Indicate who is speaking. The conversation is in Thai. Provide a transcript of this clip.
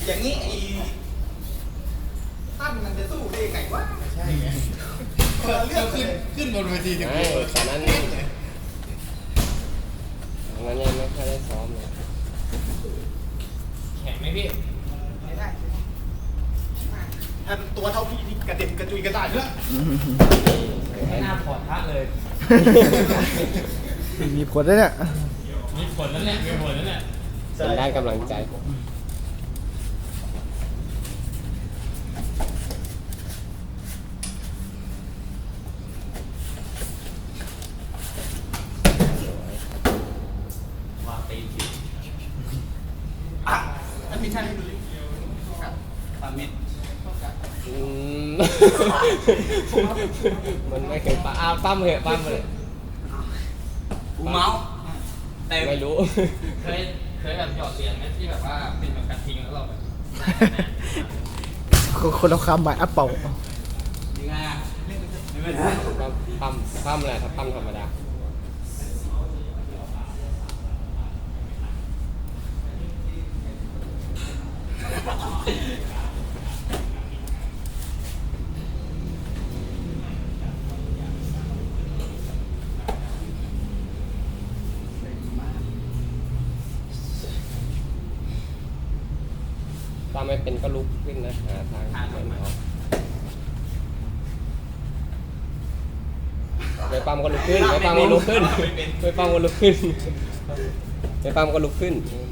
Speaker 1: อย่างนี้ไอ้ตั้นมันจะสู้ได้ยังไงวะใช่ไงเรื่องขึ้นบนเวทีถึง
Speaker 2: ตอนนั้นยังไม่ค่อยได้ซ้อมเลย
Speaker 3: แข็งไหมพี่
Speaker 1: ไม่ได้ถ้าตัวเท่าพี่นี่กระเด็นกระจุยกระดาษเยอะ
Speaker 3: ไม่น่าถอดพระเลย
Speaker 4: มีผลด้วยเนี่ย
Speaker 3: มีผลนั่นแหละมีผลนั่นแหละ
Speaker 2: เป็นด้านกำลังใจ
Speaker 1: อันนี้ใช่ดูดิปามิด
Speaker 2: มันไม่เคยปั้มปั้มเหอะปั้มเลย
Speaker 1: กูเมาส์แต่
Speaker 2: ไม่รู้
Speaker 3: เคยแบบหยอดเหรียญไหมที่แบบว่าเป็นแบบกระทิงแล้วเราแบบ
Speaker 4: คนละคำหมายอัปเป่า
Speaker 1: ยังไงอ่ะไม่ได้
Speaker 2: ปั้มแหละถ้าปั้มธรรมดาถ้าไม่เป็นก็ลุกขึ้นนะหาทางเดินออกไม่ปั้มก็ลุกขึ้นไม่ปั้มก็ลุกขึ้นไม่ปั้มก็ลุกขึ้นไม่ปั้มก็ลุกขึ้น